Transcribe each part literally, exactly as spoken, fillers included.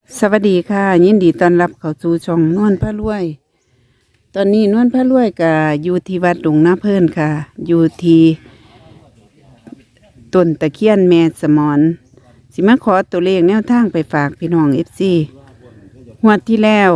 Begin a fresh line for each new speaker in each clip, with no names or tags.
สวัสดีค่ะยินดีต้อนรับเข้าสู่ช่องนวลพระรวย ตอนนี้นวลพระรวยกับอยู่ที่วัดหลวงนาเพิ่นค่ะอยู่ที่ต้นตะเคียนแม่สมอนสิมาขอตัวเลขแนวทางไปฝากพี่น้องเอฟซีงวดที่แล้ว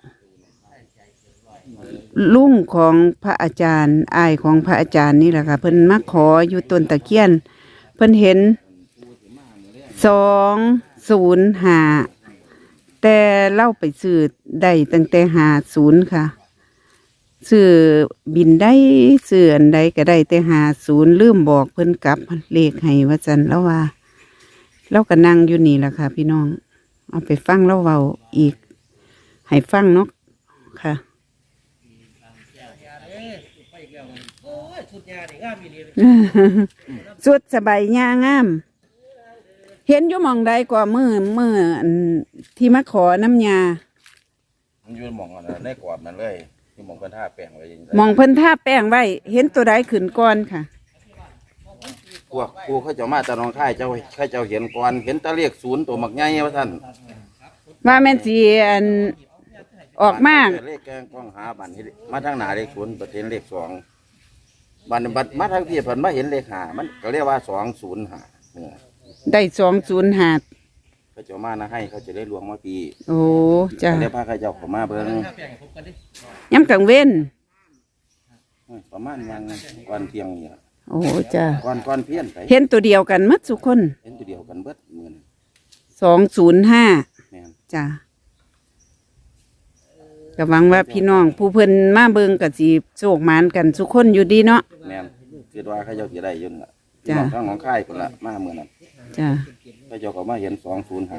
ลุงของพระอาจารย์อายของพระอาจารย์นี่แหละค่ะเพิ่นมาขออยู่ต้นตะเคียนเพิ่นเห็นสองศูนย์ห้าแต่เล่าไปซื้อได้ตั้งแต่หาศูนย์ค่ะซื้อบินได้ซื้ออันใดก็ได้แต่หาศูนย์ลืมบอกเพิ่นกลับเลขให้ว่าจันแล้วว่าเราก็นั่งอยู่นี่แหละค่ะพี่น้องเอาไปฟังเล่าเว้าอีกให้ฟังเนาะค่ะสุดสบายยางามเห็นอยู่หมองใดกว่ามือมืออันที่มาขอน้ำยา
มันยืนมองกันได้กอดมันเลยที่มองเพิ่นท่าแป้งไว้
มองเพิ่นท่าแป้งไว้เห็นตัวใดขึ้นก่อนค่ะ
พวกครูเขาเจ้ามาตะนองค่ายเจ้าข้าเจ้าเห็นก่อนเห็นตะเรียกศูนย์ตัวหมักใหญ่ว่าท่าน
ว่าแม่นสิอันออกมาก
เลขแกงกล้องหาบันมาทางหน้าเลขศูนย์ประเทศเลขสองบันบัดมาทางพี่เพิ่นมาเห็นเลขห้ามันก็เรียกว่าสองศูนย์ห้า
ได้สองศูนย์ห้า
เขาเจ้ามานะให้เขาจะได้รวงมาปี
โอ้จ้ะ
เรียกพาข้าเจ้าเข้ามาเบิ่ง
ย้ำกลางเว้น
ประมาณวันก่อนเที่ยงนี่
โอ้จ้ะ
ก่อนก่อนเพี้ยนไป
เห็นตัวเดียวกันมัดทุกคน
เห็นตัวเดียวกันเบิดเหมือน
สองศูนย์ห้าจ้ะก็หวังว่าพี่น้องผู้เพิ่นมาเบิ่งก็สิโชคหมานกันทุกคนอยู่ดีเนาะ
แม่นคิดว่าข้าเจ้าสิได้อยู่น่ะจ้ะทางของค่ายพุ่นละมาเมื่อนั้น
จ้ะ
ข้าเจ้าก็มาเห็นสองศูนย์ห้า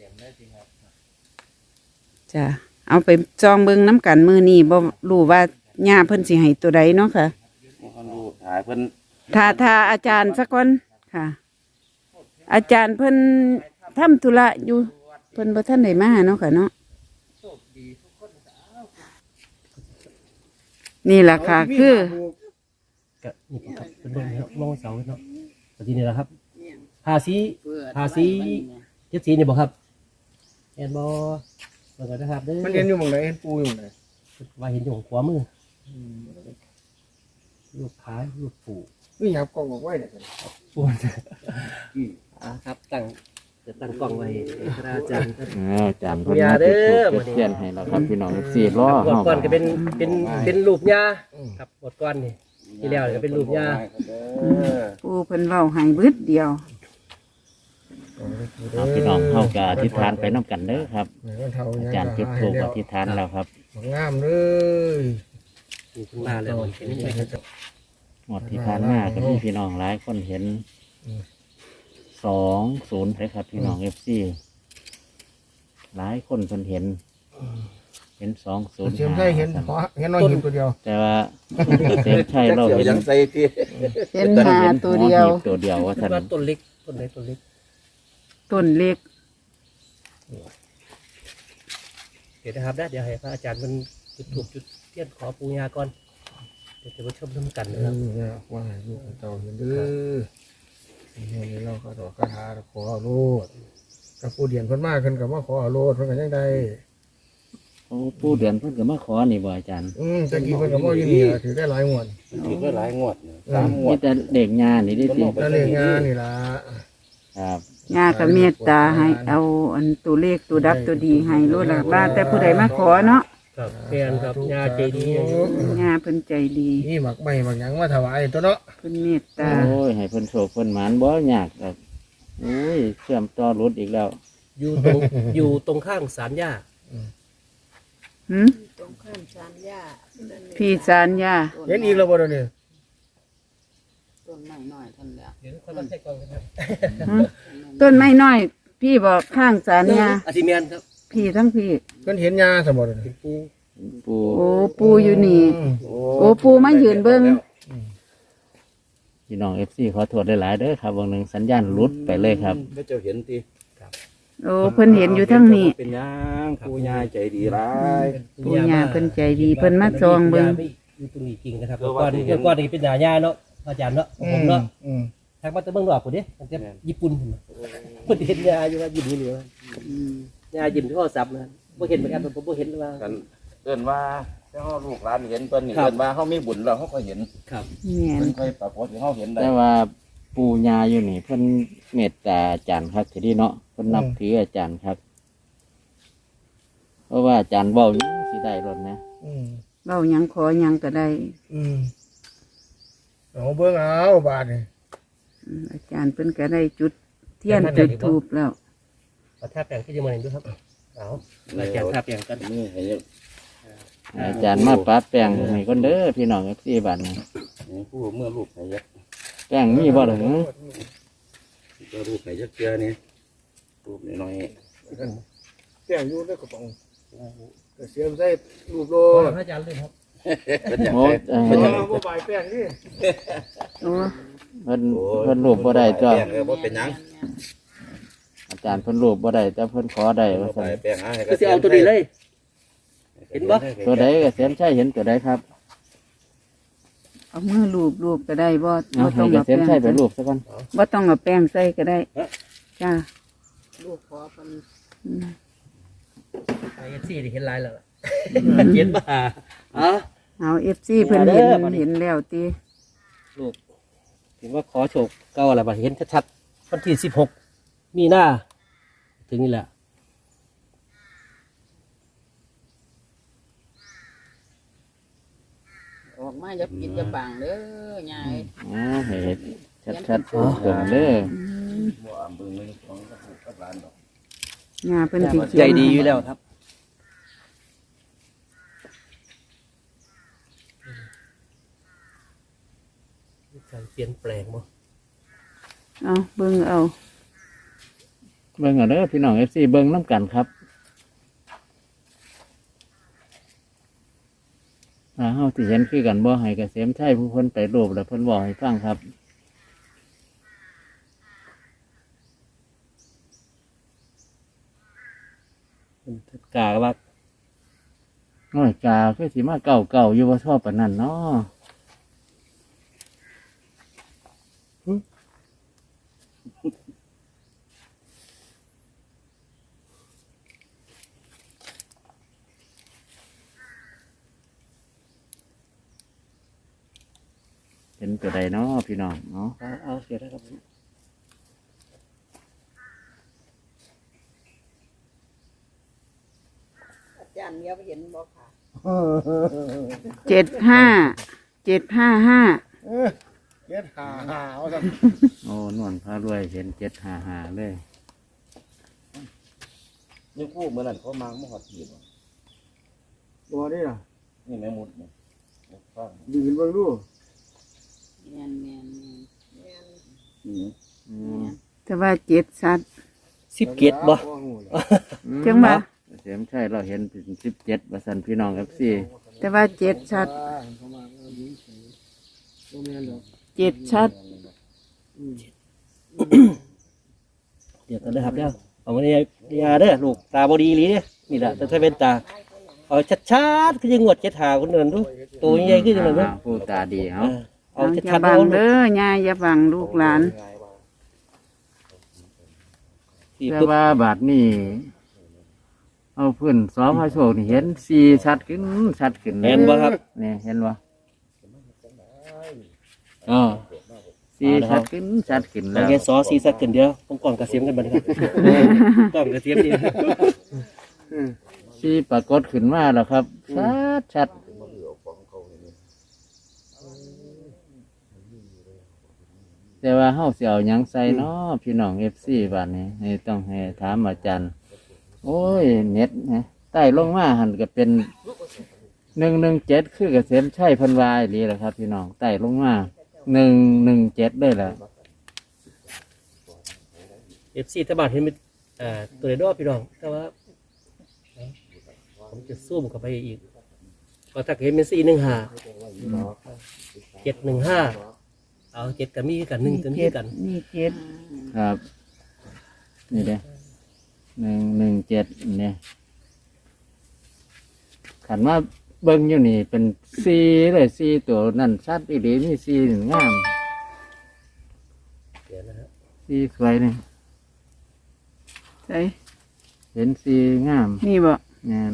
จ้ะเอาไปจองเบิ่งน้ำกันมือนี้บ่รู้ว่าญาเพิ่นสิให้ตัวใดเนาะค่ะ
บ่คันรู้ถ่ายเพิ่น
ถ้าถ้าอาจารย์สักคนค่ะ อาจารย์เพิ่นทำธุระอยู่เพิ่นบ่ทันได้มาเนาะค่ะเนาะนี่แหละค่ะคือ
ก็นี่ครับเป็นเบิ่งครับมองเสาเนาะปฏินี่แหละครับภาษีภาษีเจ็ดสีนี่บ่ครับเห็นบ่เบิ่งกันนะครับเด้อ
มันเห็นอยู่หม่องไหนเห็นปูอยู่หม่องไหน
ว่าเห็นอยู่ของขวามือลูกค้าลูกปู่
นี่ครับกล้องบอกไว้เนี่ย
ปู่อ่าครับตั้งจะตั้งกล้องไว้พระอาจารย์ครับ
อาจารย์เพิ่นมาติดถูกเขียนให้แล้วครับพี่น้องสี่ล้อ
หมดก่อนก็เป็นเป็นเป็นรูปยาครับหมดก่อนนี่ที่แล้วก็เป็นรูปยา
ปูเพิ่นเว้าให้บึดเดียว
พี่น้องเข้ากะอธิษฐานไปน้ำกันเด้อครับอาจารย์จุดธูปอธิษฐานแล้วครับ
งามเลย
มาแล้ว
หมดที่ผ่านมาก็มีพี่น้องหลายคนเห็นสองศูนย์เลยครับพี่น้องเอฟซีหลายคนเพิ่นเห็นเห็นสองศูนย์
เชื่อมใช่เห็นเพราะเห็นน้อยหินตัวเดียว
แต่ว่าเชื่อมใช่เราเห็น
ยังใส่ที่
เห็นหาตัวเดียว
ตัวเดียวว่าท่าน
ต้นเล็กต้นเล็กต้นเล็ก
ต้นเล็ก
เดี๋ยวนะครับได้เดี๋ยวให้พระอาจารย์มันจุดถูกจุดเทียนขอปูญาก่อนเดี๋ยวจะมาชมน้ำกันนะครับ
ว่าลูกเต่าเห็นเด้อเห็นเราก็ต่อคาถาขอเอาโลดกับปูเดียนเพิ่นมากขึ้นกับว่าขอเอาโลดเพิ่นกันยังไง
โอ้ผู้เดือนเพิ่นก็มาขอนี่บ่อาจารย์
อืมตะกี้เพิ่นก็บ่อยู่นี่ถือได้หลายงวด
ถือได้หลายงวดสามงวด
นี่แต่เด็กงานนี่ดิสิ
แต่เด็กงานนี่ล่ะ
ครับ
ญาก็เมตตาให้เอาอันตัวเลขตัวดับตัวดีให้รู้ล่ะว่าแต่ผู้ใดมาขอเนาะ
ครับเพียนครับญาใจดี
ญาเพิ่นใจดี
นี่หมักใหม่หมักหยังมาถวายตัวเนาะ
เพิ่นเมตตา
โอ้ยให้เพิ่นโชคเพิ่นหมานบ่ยากครับโอ้ยเชื่อมต่อรถอีกแล้ว
อยู่ตรงอยู่ตรงข้างศาลย่า
หืมตรงข้างศาลย่าพี่ศาลย่า
เห็นอีกแล้วบ่เดี๋ยวนี้
ต้นไม้น้อยท่านแล้ว
เห็นคนละใช่กองครับ
ต้นไม้น้อยพี่บอกข้างศาลย่า
อาทิเมียนครับ
พี่ทั้งพี่
เพิ่นเห็นยาสมบัติ
ปู
ปู
โอ้ปูอยู่นี่โอ้ปูมายืนเบิ่ง
พี่น้องเอฟซีขอโทษหลายๆเด้อครับวันหนึ่งสัญญาณหลุดไปเลยครับ
พระเจ้าเห็นที
โอ้เพิ่นเห็นอยู่ทั้งนี้
เป็นยังปูญาใจดีร้าย
ปูญาเพิ่นใจดีเพิ่นมาจองเบิ่ง
อยู่ตรงนี้จริงนะครับก้อนนี้ก้อนนี้เป็นญาญาเนาะอาจารย์เนาะผมเนาะทางบ้านตะเบิ่งดอกพุ่นเด้ตั้งแต่ญี่ปุ่นพุ่นเพิ่นเห็นญาอยู่ว่าอยู่นี่เลยยายิ้มที่โทรศัพท์นะบ่เห็นเหมือนกันผมบ่เห็นว่า
กันเอิ้นว่าเจ้าลูกหลานเห็นเพิ่นนี่
ครับ
เอิ้นว่าเฮามีบุญแล้วเฮาก็เห็น
ครับ
แม่น
เพิ่นค่อยปรากฏให้เฮาเห็นได้
แต่ว่าปู่ย่าอยู่นี่เพิ่นเมตตาอาจารย์ครับทีนี้เนาะเพิ่นนับถืออาจารย์ครับ เพราะว่าอาจารย์เว้าหยังสิได้รถนะ
อืม
เว้าหยังขอหยังก็ได้
อืมเอาเบิ่งเอาบาดนี่
อืมอาจารย์เพิ่นก็ได้จุดเทียนจุดธูปแล้ว
เอาท่าแปลงที่จะมาเห็นด้วยครับเอาอาจารย์ท่าแปลงกัน
นี่ให้
อาจารย์มาปะแป้งให้คนเด้อพี่น้องเอฟซีบ้านนี้
นี่ผู้เมื่อลูกให้ยัก
แป้งมีบ่ล่ะหึ
ก็ลูกให้ยักเจือนี่ลูกน้อย
แป้งอยู่ในกระป๋องก็เสียบใส่รูปโล
โอ้พระอาจารย์เลยครับ
ๆเพิ่นอยาก
โอ้
ให้
เอ่อ
เพิ่นเอาบ่ใบแป้งนี่
โอ้
เพิ่นเพิ่นรูปบ่ได้ตัว
แป้งเออบ่เป็นหยัง
อาจารย์เพิ่นรูปบ่ได้แต่เพิ่นขอได้ว่า
บ่
ซั่น
ไปแป้งหาให้
ก็สิเอาตัวนี้เลย เห็นบ่
ตัวใดก็เสียนใช่เห็นตัวใดครับ
เอามือลูบลูบก็ได้บ่
เอา
บ่
ให้
ต้อง
เก
เอา
ษ
แป้
ม
ง
ใช่ไปรูปซะก่อน
บ่ต้องเอาแป้งใส่ก็ได้จ้า
ลูกขอเป็น
อืม
ไอ้ซี่ที่เห็นลายแล้วเจ็ดบ่าเอา
เอา เอฟ ซี เพิ่นเห็น
เด้อบัดนี้
เห็นแล้วติ
ลูกถือว่าขอโชคเก้าอะไรบ่เห็นชัดๆวันที่สิบหกมีหน้า ถึงนี่แหละ
ออกมาจะกินจะบังเด้อยาย
อ๋อให้ชัดๆตรงๆเด้อ
บ่อำเบิ่งเลยของกับลูกกับหลานดอก
งาเพิ่นสิเขียน
ใจดีอยู่แล้วครับการเปลี่ยนแปลงมั้
เอาเบิ่งเอา
เบิ่งเอาเด้อพี่น้อง เอฟ ซี เบิ่งนํกันครับถ้าเฮาสิเห็นคือกันบ่ให้เกษมใช่ผู้เพิ่นไปรูปแล้วเพิ่นบอกให้ฟังครับ
กาว่า
น้อยกาคือสิมาเก่าเก่าๆอยู่ว่าชอบปานนั้นเนาะเห็นตัวใดเนาะพี่น้องเนาะ
เอาเอาเสียแล้วครับ
อาจารย์เนี้ยไปเห็นบ่ค่ะ
เจ็ดห้าเจ็ดห้าห้า
เออเฮ็ดหาหาเอาซั่น
โอ้นวลพารวยเห็นเจ็ดหาหาเลย
นี่ผู้เมื่อนั้นเขามาบ่ฮอดทีบ่
บ่ได้ล่ะ
นี่แม่มุดนี่ฟัง
ยืนเบิ่งดู
แม่นแม่นแม่น
อืม
อืม
แต่ว่าเจ็ดสัตว์
สิบเกียรบ่
จังว่า
เสียมใช่เราเห็นเป็นสิบเจ็ดประสันพี่น้องเอฟซี
แต่ว่าเจ็ดชัด
เข้ามาเอายิงใส่บ่แม่นดอก
เจ็ดชัด
เดี๋ยวกันเลยครับเดี๋ยวเอามาเนี่ยยาเด้อลูกตาบอดีหลีเนี่ยนี่แหละแต่ถ้าเป็นตาเอาชัดๆคือยังงวดเจ็ดหาคนนั้นดูตัวใหญ่ขึ้นจังเลยเนาะ
ผู้ตาดีเอา
เอา
เอาอย่า
ชัดๆ
บั
เอา
งเด้อยายอย่าบังลูกหลาน
สี่
แต่
ปึ๊บ
ว่าบาทนี่เอาพื้นสอพระโชคนี่เห็นสี่ชัดขึ้นชัดขึ้นเลย
เห็นบ่ครับ
นี่เห็นบ่
อ่า
สี่ชัดขึ้นชัดขึ้น
เอา
แล้ว
แค่ซอสีสักกันเดียวผมก่อนกระเสียมกันบัดนครับก่อนกระเสียมนี่
สี่ปรากฏขึ้นมาแล้วครับชัดชัดแต่ว่าเฮาสิเอาหยังใส่เนาะพี่น้องเอฟซีบาดนี้ให้ต้องให้ถามอาจารย์ โอ้ยเน็ตนะใต้ลงมาหันก็เป็นหนึ่งหนึ่งเจ็ดคือเกษมชัยเพันวายดีแหละครับ พี่น้องใต้ลงมาหนึ่งหนึ่งเจ็ดได้แหละ
เอฟซีถ้าบาดเห็นเป็นอ่าตัวเล็กดอกพี่น้องแต่ว่าผมจะซูมเข้าไปอีกก็ถ้าเห็นเป็นสี่หนึ่งห้าเจ็ดหนึ่งห้าเอาเจ็ดกับมีกันหนึ่งกับมี
เจ็ด
กัน
นี่เจ็ด
ครับ นี่เด้หนึ่งหนึ่งเจ็ดเนี่ยขันว่าเบิ้งอยู่นี่เป็นซีเลยซีตัวนั่นชัดอีหลีนี่ซีหนึ่งงาม
เดี๋ยวนะฮะ
ซีสวยนี่
ใส่
เห็นสีงาม
นี่บ่
งาน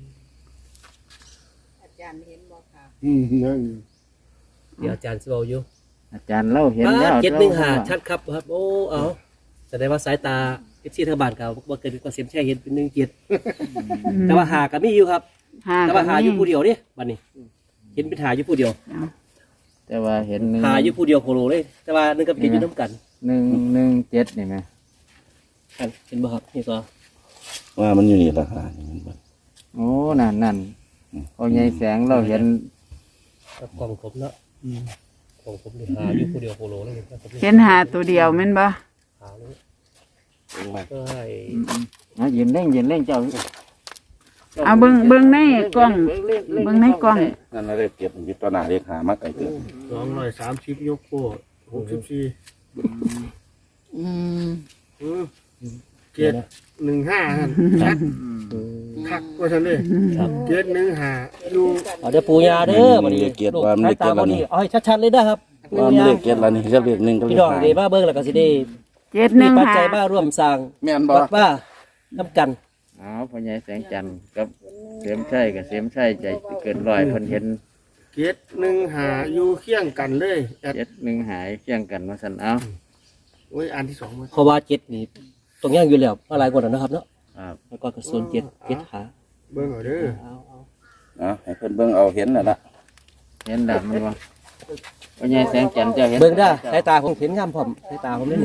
อาจารย์เห็นบ่ค่ะ
อืมนั่น
เดี๋ยวอาจารย์สิเว้าอยู่
อาจารย์เล่าเห็นแล้ว
เจ็ดหนึ่งหาชัดครับครับ โอ้เอาแสดงว่าสายตาเอฟซีทางบ้านกับว่าเกิดก็เสียมแช่เห็นเป็นหนึ่งเจ็ดแต่ว่าหากับมีอยู่ครับ
หา
แต่ว่าหาอยู่ผู้เดียวนี่บัดนี้ เห็นเป็นหาอยู่ผู้เดียว
แต่ว่าเห็นหนึ่ง
หาอยู่ผู้เดียวโคโลเลย แต่ว่านึงกับเจ็ดอยู่น้ำกัน
หนึ่งหนึ่งเจ็ดนี่ไหม
กันเห็นบ่ครับนี่ก็
ว่ามันอยู่นี่ราคานี่มันบ่
โอ้นั่นนั่นพอใหญ่แสงเราเห็น
กับกล่องผมเนาะกล่องผมนี่หาอยู่ผู้เดียวโคโลเลยครับผม
เห็นหาตัวเดียวแม่นบ่
หาเลย
เป็นว่า
ก็ให้
อ่ะยืนเล่งยืนเล่งเจ้า
เอาเบิ่งเบิ่งในกล้องเบิ่งในกล้อง
นั่นน่ะเลขเก็บอยู่ตัวหน้าเลขหามาไกลเกิน
สองร้อยสามสิบยกโป้หกสิบสี่
อืม
อืมเจ็ดหนึ่งห้าฮะชัดคักว่าฉันเลย
ครับ
เจ็ดหนึ่งห้าอยู่
เอาเดี๋ยวปูยาเด้อบัดนี้ลูกสายตาบ่นี่เอาให้ชัดๆเลยนะครับ
ว่ามันเลขเก็บแล้วนี่เรียกเลขหนึ่งก็เล
พี่
ข
น้อง
หา
ได้มาเบิ่งแล้วก็สิได้
เจ็ดห
มี
นึ่ง
ปัจ
หา
จัยมาร่วมสร้าง
แม่นบ่
วัดว่าน้ำกัน
อ๋อพอใหญ่แสงจันทร์กับเสียมชัยกับเสียมชัยใจเกินร้อยเพิ่นเห็น
เจ็ดหนึ่งห้าอยู่เคียงกันเลยแอด
เจ็ดหนึ่งหายเคียงกันมาสันเอา
โอ้ยอันที่สองมา
เพราะว่าเจ็ดนี่ตรงย่างอยู่แล้วมาหลายกว่าแล้วนะครับเนาะ
ครับ
แล้วก็กระสุนเจ็ดเจ็ดขา
เบิ่งเอาเด้อ
เอาเอา
อ่ะให้เพิ่นเบิ่งเอาเห็นแล้วล่ะ
เห็นดำมันบ่พอใหญ่แสงจันทร์เจ้าเห็น
เบิ่งได้สายตาผมเห็นงามพร้อมสายตาผมนี่นี่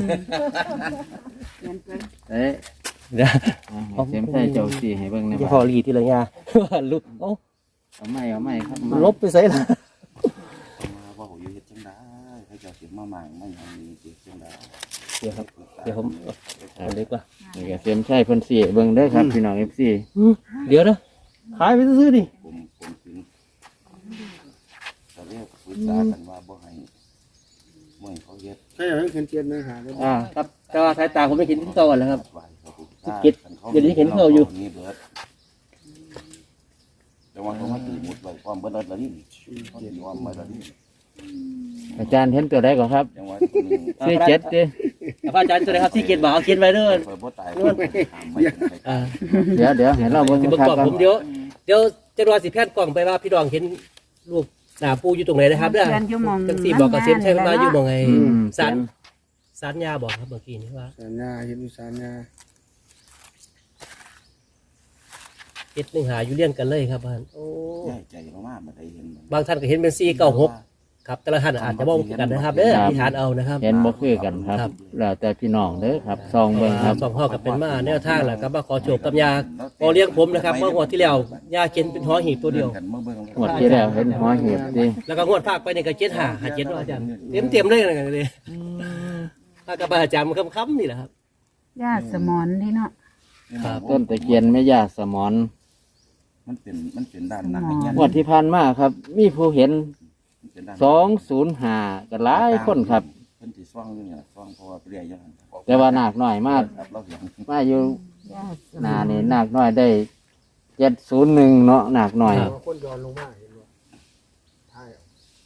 เอ้ย
เดี๋ยว
อ่ะให้เสียมชัยเจ้าสีให้เบิ่งหนะ
ที่
บ่
พอรีทีละยา ลุกเอ้า
เอาไม่เอาไม่ครับ
ลบไปใส่ละ
มาว่าโหอยู่เฮ็ดจังได๋ให้เจ้าสิมาหมางมาหยังนี่สิจังได๋
เดี๋ยวครับเดี๋ยวผมเอาเล็กว่า
นี่ก็เสียมชัยเพิ่นสีเบิ่งเด้อครับพี่น้อง เอฟ ซี
เดี๋ยวนะขายไปซื้อๆดิ
ผมผมถึงตอนแรกปรึกษากันว่าบ่ให้บ่ให้เขาเฮ็ด
ใช่ไหมเห็นเจ็ดหนึ่งห้าเลย
อ่าครับแต่ว่าสายตาผมไม่เห็นที่ก่อนแล้วครับ
ไว้เขาปรึกษา
เก็บเดี๋ยวนี้เห็นเขาอยู่
นี่เบิดแต่ว่าเขามาตีหมดไว้ความเบิดแล้วนี่เขาตีความไว้แล้วนี่
อาจารย์เห็นตัวใดก่อนครับ
จังว่าตัวนี้
สี่เจ็ดดิ
พระอาจารย์ตัวไหนครับที่เกียรติบ่าวเอาเขียนไว้เด้อ
เปิดบ่ตายคนถามไม่เป็นไร
อ่า
เดี๋ยวเดี๋ยวให้เราเบิ่ง
สิเบิ่ง
ครับ
กล่องผมเดี๋ยวเดี๋ยวจะรอสิแพทย์กล่องไปว่าพี่ดองเห็นรูปหน้าปูอยู่ตรงไหนนะครับเด้อ
เขียนอยู่หม้อง
จังสี่บอกกับเซมใช่ไหมว่าอยู่หมองไง
อืม
สารสารยาบอกครับเมื่อกี้นี้ว่า
สัญญาเห็นอยู่สัญญา
เจ็ดหนึ่งหาอยู่เลี่ยงกันเลยครับบ้านโอ้
ใหญ่ใจมากๆมาได้เห็นมัน
บางท่านก็เห็นเป็นสี่เก้าหกครับแต่ละท่านอาจจะมองกันนะครับเด้ออธิษฐานเอานะครับ
เห็นบ่คือกันครับ
ครับ
แล้วแต่พี่น้องเด้อครับซองเบิ่งครับ
สองห้อกับเป็นมาแนวทางแหละครับมาขอโชคกับยาพอเลี้ยงผมนะครับเมื่องวดที่แล้วยาเขียนเป็นหอหีบตัวเดียว
กันเมื่อเบิ่ง
หมดที่แล้วเห็นหัวเห็บดิ
แล้วก็งวดภาคไปเนี่ยก็เจ็ดหาหาเจ็ดเนาะอาจารย์เต็มเต็มๆเลยกันเลยถ้ากับอาจารย์มันค้ำๆนี่แหละครับ
ญาติสมอนที่เนาะ
ครับ
ต้นตะเคียนแม่ย่าสมอน
มันเป็นมันเป็นด้านหน้าอย่างเงี้ย
งวดที่ผ่านมาครับ มีผู้เห็น
มันเป็นด้าน
สองศูนย์ห้าก็หลายคนครับ
เพิ่นสิซ่องอยู่เนี่ยซ่องเพราะว่าเปรี้ยอยู่หั่น
แต่ว่านาคน้อยมาก
ครับเราเห็น
มาอยู่
ญาติสม
หนา
อน
นี่นาคน้อยได้เจ็ดศูนย์หนึ่งเนาะนาคน้อย
คนย้อนลงมาเห็นว่าใช่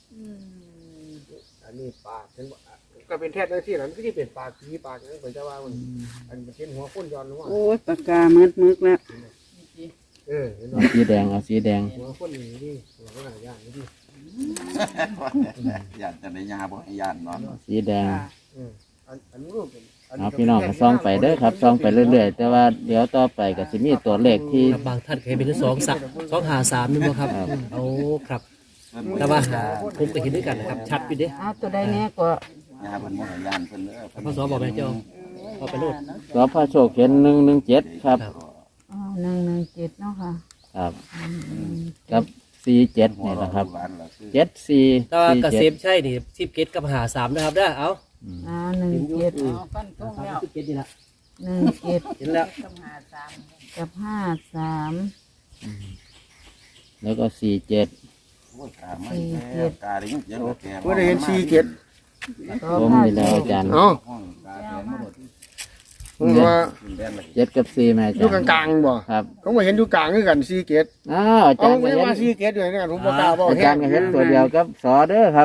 อันนี้ปากเห็นว่าก็เป็นแท้ได้ที่นั้นก็ที่เป็นปากผีปากนั่นเป็นจะว่ามันอันเป็นเห็นหัวคนย้อนลงมา
โอ้ยปากกามืดมึกแล้ว
เออเห็น
เอา
ว่า
สีแดงเอาสีแดง
หัวคนนี่นี่หัวคนหลายอย่างนี่ดิ
ญาติจะได้ยาบ่ให้ญาติเนาะ
สีแดง
เอออันอันนี้รูปเป็น
เอาพี่น้องก็ซ่องไปเด้อครับซ่องไปเรื่อยๆแต่ว่าเดี๋ยวต่อไปก็สิมีตัวเลขที่
ครับบางท่านเคยเป็นสองสักสองหาสามนี่บ่ครับเอาครับแต่ว่าหาผมก็เห็นด้วยกันนะครับชัดไปเด้
เอาตัวใดแน่ก็
ยาเพิ่นบ่ให้ญาติเพิ่นเด้อ
พศบอกแม่เจ้าเอาไปโลด
สพระโชคเห็นหนึ่งหนึ่งเจ็ดครับ
อ๋อหนึ่งหนึ่งเจ็ดเนาะค่ะ
ครับกับสี่เจ็ดนี่นะครับเจ็ดสี่
แต่ว่า
สี่
เกษ
เจ็ด
มใช่นี่สิบเกตกับหาสามนะครับเด้อเอา
อ่าหนึ่งเจ็ด
เอาฟันทงแล้ว
สิบเกตนี่ละ
หนึ่งเจ็ด
เห็นแล้ว
ต้องหาสาม
กับห้าสาม
แล้วก็สี่เจ็ด
โอ้ยกาไม่แก้กาได้ยินเสียงแก
ว่าได้เห็นสี่เจ็ด
ก็
ผม
ห้า
นี่แล้วอาจารย์
เอ้า
ห้องกาแดงมาหมด
ผมว่า
ขึ้นแดนเลย
เจ็ดกับสี่แม่อา
อ
จาร
ยู่
ย์
กลางๆบ่
ครับ
เขามาเห็นอยู่กลางคือกันสี่เจ็ด
อ้าวอา
เอา
จารย์ก็
ไม่
เห็น
ว่าสี่เจ็ดอยู่ในนั้นผมบอกกล้าบอก
อาจารย์ก็เห็นตัวเดียวกับสอเด้อครับ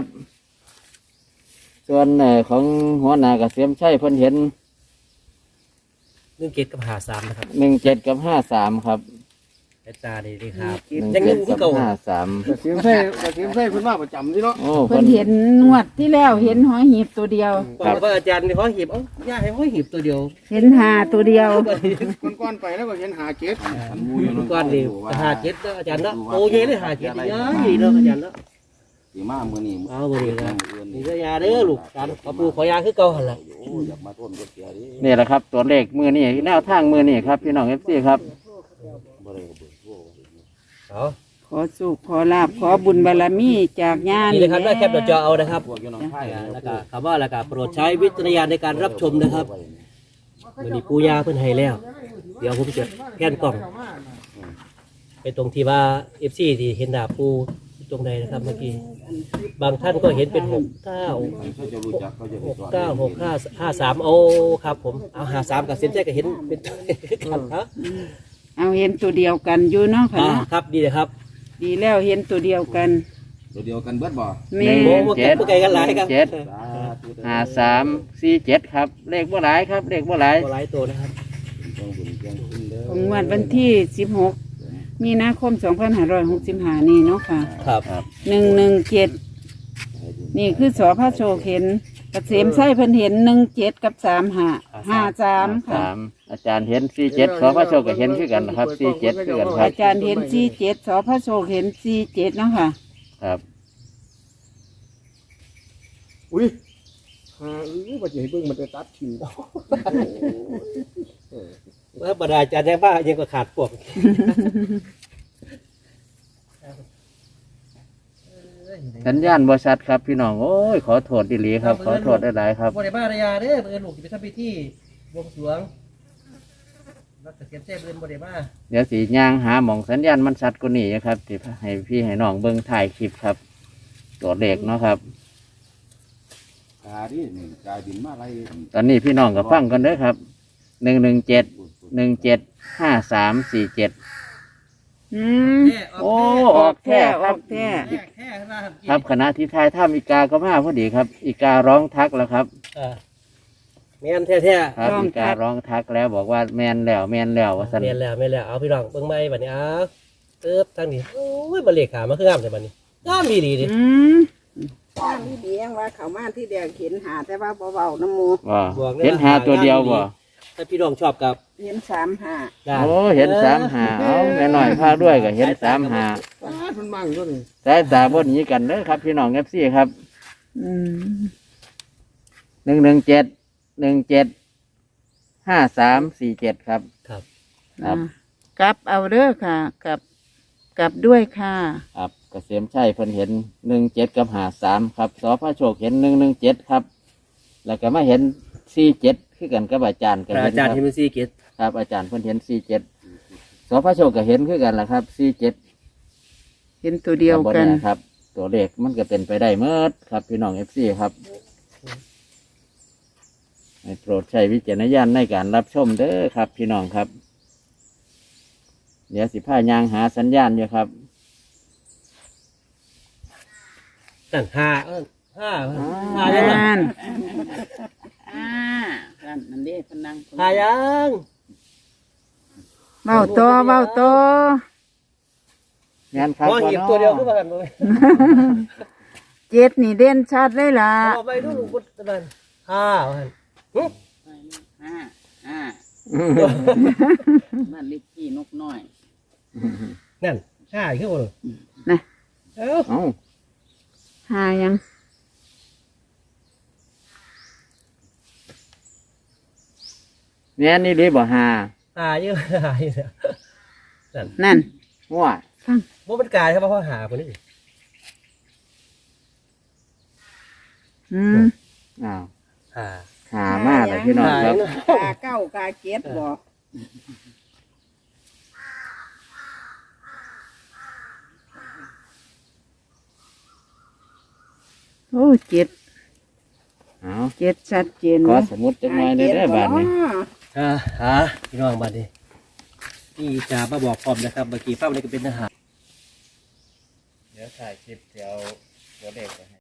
ส่วนเอ่อของหัวหน้าเกษมชัยเพิ่นเห็น
หนึ่งเจ็ดกับหาสามนะครับ
หนึ่งเจ็ดกับห้าสามครับ
แต่ตาดีดีครับ
หนึ่ง
ยัง
เจ็
เงิ
ด
นที่
กับ
เก่า
ห้าสาม
กระเทียมไส้กระเทียมไส้เพิ่นมาประจำที่เนาะ
โอ้
เพิ่นเห็นงวดที่แล้วเห็นหอยหีบตัวเดียว
บอกว่าอาจารย์เขาหีบเอ้าย่าให้เขาหีบตัวเดียว
เห็นหาตัวเดียว
ก้อนๆไปแล้วก็เห็นหาเจ็ด
ก้อนนี่หาเจ็ดเนาะอาจารย์เนาะโอ้ยเลยหาเจ็ดเยอะยี่เนาะอาจารย์เนาะ
สีมามือนี่
เอาบ่ดีนะนี่ก็ยาเด้อลูกการขอปูขอยาคือเก่าหั่นล่ะ
โอ้อยากมาทนก็เสียดิ
นี่แหละครับ ตัวเลขมือนี่แนวทางมือนี่ครับพี่น้องเอฟซีครับ
บ่ได้ก็เบิดโทษ
เอา
ขอสุขขอลาบขอบุญบารมีจากญาณ
นี่เลยครับได้แคปหน้าจอเอานะครับ
พวกอยู่หนองไผ่
แล้วก็คำว่าแล้วก็โปรดใช้วิจารณญาณในการรับชมนะครับมันมีปูยาเพิ่นให้แล้ว เดี๋ยวผมจะแผ่นกล่องไปตรงที่ว่าเอฟซีที่เห็นดาบปูตรงใดนะครับเมื่อกี้บางท่านก็เห็นเป็นหกเก้า
เขาจะรู้จักเขาจะ
ห
รู้
ก
จัก
เก้าหกห้าห้าสามโอ้ครับผมเอาหาสามกับเส้นใจก็เห็นเป็นตัวกันครับ
เอาเห็นตัวเดียวกันอยู่เนาะค่ะ
อ่า
เนาะ
ครับดีเลยครับ
ดีแล้วเห็นตัวเดียวกัน
ตัวเดียวกันเบิดบ่
แม่
หนึ่ง
โอ้
เจ็ด
ไกลกันหลายครับ
เจ็ด
สาธุเด้อ
ห้าสามสี่เจ็ดครับ เลขบ่หลายครับ เลขบ่หลาย
ตัวหลายตัวนะครับ
ต้องบุญเพียงคุณเด้อ
ของงวดวันที่สิบหกมีนาคมสองพันห้าร้อยหกสิบห้านี่เนาะค่ะ
ครับ
หนึ่งหนึ่งเจ็ดนี่คือสอพระโชคเห็นเกษมไส้เพิ่นเห็นหนึ่งเจ็ดกับสามห้าห้าสามค่ะ
สามอาจารย์เห็นสี่เจ็ดขอพระโชคก็เห็นคือกันนะครับสี่เจ็ดคือกันครับ
อาจารย์เห็นสี่เจ็ดสอพระโชคเห็นสี่เจ็ดเนาะค่ะ
ครับ
อุ้ยหาอื้อบ่จะให้เบิ่งมันจะตัดทิ้ง
เมื่อบรรดาอาจารย์ยังบ้ายังก็ขาดพวก
สัญญาณบริษัทครับพี่น้องโอ้ยขอโทษดีหลีครับ ขอโทษหลายๆครับ
บริบ้ารยาเด้อเบอร์ลูกจะไปทำพิธีบวงสรวงรักเกษตรเจ้าเบอร์บริบ้า
เดี๋ยวสีย่างหาหมองสัญญาณมันชัดกว่านี้นะครับที่ให้พี่ให้น้องเบิ้งถ่ายคลิปครับ ตัวเลขเนาะครับ
กาดินี่กาบินมาอะไร
ตอนนี้พี่น้องก็ฟังกันเด้อครับหนึ่งหนึ่งเจ็ดหนึ่งเจ็ดห้าสามสี่เจ็ด
อืม
โอ้ออกแท้
อ
ครั
อบ กแท้
แค่ขนาด
ครับคณะที่ทายถ้ำอีกาก็มาพอดีครับ อีการ้องทักแล้วครับ
แม่นแท้
ครับอีการ้องทักแล้วบอกว่าแมนแล้วแมนแล้วว่าสัน
ๆแม่นแล้วแม่นแล้วเอาพี่น้องเบิ่งไม้บัดนี้เอาเติบทางนี้โอ้ยบันเลขขามาคืองามแต่บัดนี้งามดีดีดิ
อืม
บ้านที่เดียงว่าเขามาที่แดงเห็นหาแต่ว่าเบาๆน้ำหมู
ว่าเห็นหาตัวเดียวบ่
ถ้าพี่น้องชอบกับ
เห็นสามหา
ได้
โอ้เห็นสามหาเอาแม่น้อยพาด้วยก็เห็นสามหา
ตาดมันมั่งอยู่นี่
สายตาบนนี้กันเด้อครับ พี่น้องเอฟซีครับ
อืม
หนึ่งหนึ่งเจ็ดหนึ่งเจ็ดห้าสามสี่เจ็ดครับ
ครับ
ครับ
อ่ากลับเอาเด้อค่ะกลับกลับด้วยค่ะ
ครับเกษมชัยเพิ่นเห็นหนึ่งเจ็ดกับหาสามครับสอพระโชคเห็นหนึ่งหนึ่งเจ็ดครับ แล้วก็มาเห็นสี่เจ็ดคือกันกับอาจารย์กัน
อาจารย์ที่มันซีเกต
ครับอาจารย์เพิ่นเห็นสี่เจ็ดสอพระโชคก็เห็นคือกันแหละครับสี่เจ็ด
เห็นตัวเดียวกัน
ครับ ตัวเลขมันก็เป็นไปได้เมื่อครับ พี่น้องเอฟซีครับให้โปรดใช้วิจารณญาณในการรับชมเด้อครับ พี่น้องครับ เดี๋ยวสิผ้ายางหาสัญญาณอยู่ครับ
นั่นห้าเอิ้นห้าห้ายังไง
อ่าน
อ่านั่นนั่นเด้พนัง
ห้ายัง
เบ้าต่อเบ้าต่อง
านครับ
มองหยิบตัวเดียวขึ้นมากันเลย
เจ็ดนี่เด่นชัดเลยล่ะ
เอาไปดูลูกบุตรนั่นห้าว่าหั่นหึ
ห้าห้านั่นลิกกี้นกน้อย
นั่นห้าอีกขึ้นมาเลย
นะ
เอ้า
เอ้า
หายัง
เนี่ยนี่รีบบ่หา
ห้าเยอะห้าเยอะนั่น
นั่น
ว่า
บ่เป็นกายครับเพราะหาคนนี้
อืม
อ้าว
หา
หามากเลยพี่น้องครับ
กาเก้ากาเจ็ดบอก
โอ้เจ็ด
เอา
เจ็ดชัดเจน
ขอ
นะ
สมุดจังหน่อยได้ได้อบาทนี้
อ่าหาพี่น้องบัดนี้นี่จะมาบอกพร้อมนะครับเมื่อกี้ฟ้าวันนี้ก็เป็นทหาร
เดี๋ยวถ่ายคลิปเดี๋ยวตัวเลขไปให้